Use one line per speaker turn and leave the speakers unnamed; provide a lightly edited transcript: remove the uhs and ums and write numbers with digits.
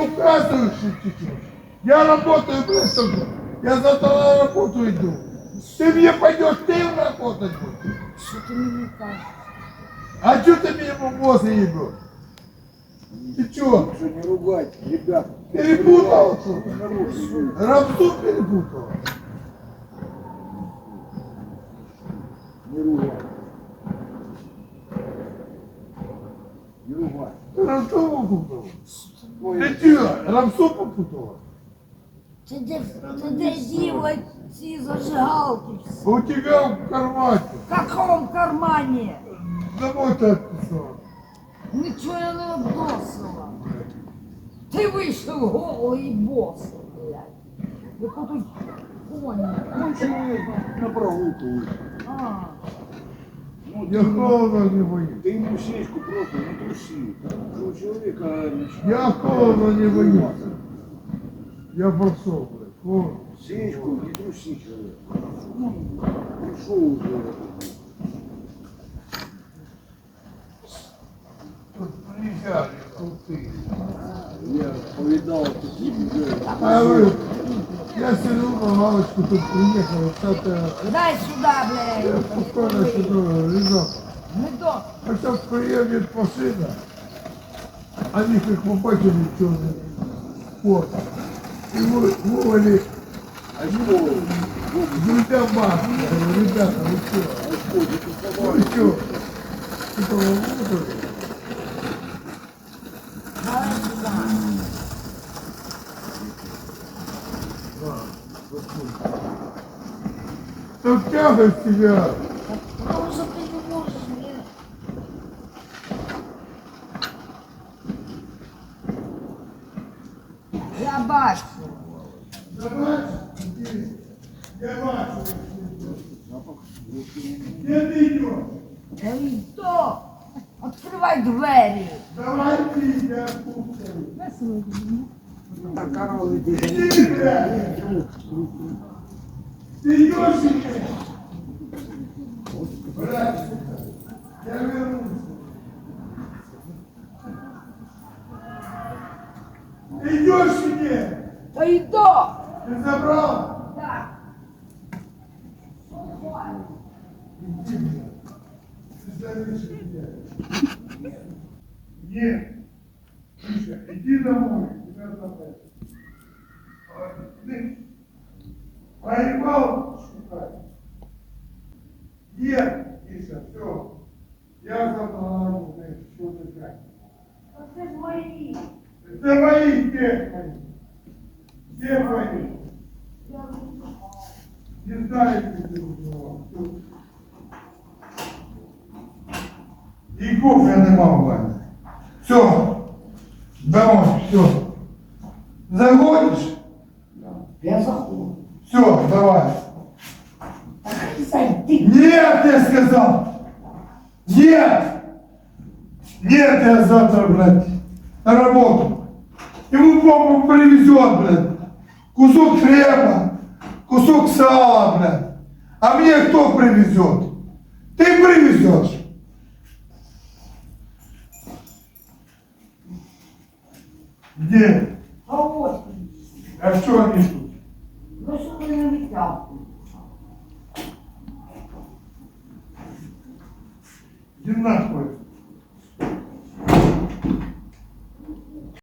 указываешь чуть-чуть. Я работаю, блядь, только. Я завтра на работу иду. Ты мне пойдешь, ты работать будешь.
Що ти мені кажеш?
А что ты мне мозг ебешь? Ты чё?
Что не ругать, ребят.
Перепутал?
Нарушил.
Рамсу перепутал?
Не ругать. Не ругать.
Рамсу попутал?
Ой,
Ты чё? Рамсу попутала?
Ти де діло ці зажигалки всі?
У тебя в кармане.
В каком кармані?
Домой ты отписал.
Нічого я не обносила. Ти вийшов голий босий, блядь. Ви тут коні.
конченый на прогулку вышел.
А,
Ну,
Я холодно не боюсь.
ты ему сечку просто не труси. У человека начинает...
Я холодно не боюсь. Я пошел, блядь. Холодно.
Сечку не труси человека. Ну, пришел уже.
Тут приезжали, крутые.
Я повидал таких людей.
А вы, я сижу на лавочку, тут приехал, что-то,
дай сюди,
я
блядь.
спокойно сижу, лежал.
Не до.
А сейчас приедет машина, они как побачили черный спорт. И вывали
А что?
друзья маски. Я говорю, ребята, вы что? Вы что? Типа, вы вызвали?
Дай сюди.
Да в тягость тебя.
Потому що ти не можеш, блядь. Я бачу.
Я бачу. Где ты идешь?
Хто? Відкривай двері.
Давай ты, я кушаю.
Так, коровы
Иди, блядь. Ты идешь или нет? Блядь, я вернусь. Ты идешь или нет?
Та йду.
Ты забрал?
Так.
Иди, блядь. Ты зависишь от меня. Нет. Миша, иди домой. Тебя забрать. Ты поебал шукать? Нет, Миша, все. Я завтра на работу, что ты как?
Це ж мої.
Это мои, где мои? Где мои? Не знаю, где ты убивал. И кофе нема в мене. Все. Домой, все. Заходишь?
Я заходжу.
Все, давай.
Так зайди.
Нет, я сказал. Нет. Нет, я завтра, блядь, на работу. Ему папа привезет, блядь, кусок хлеба, кусок сала, блядь. А мне кто привезет? Ты привезешь. Где?
А ось.
А что они тут?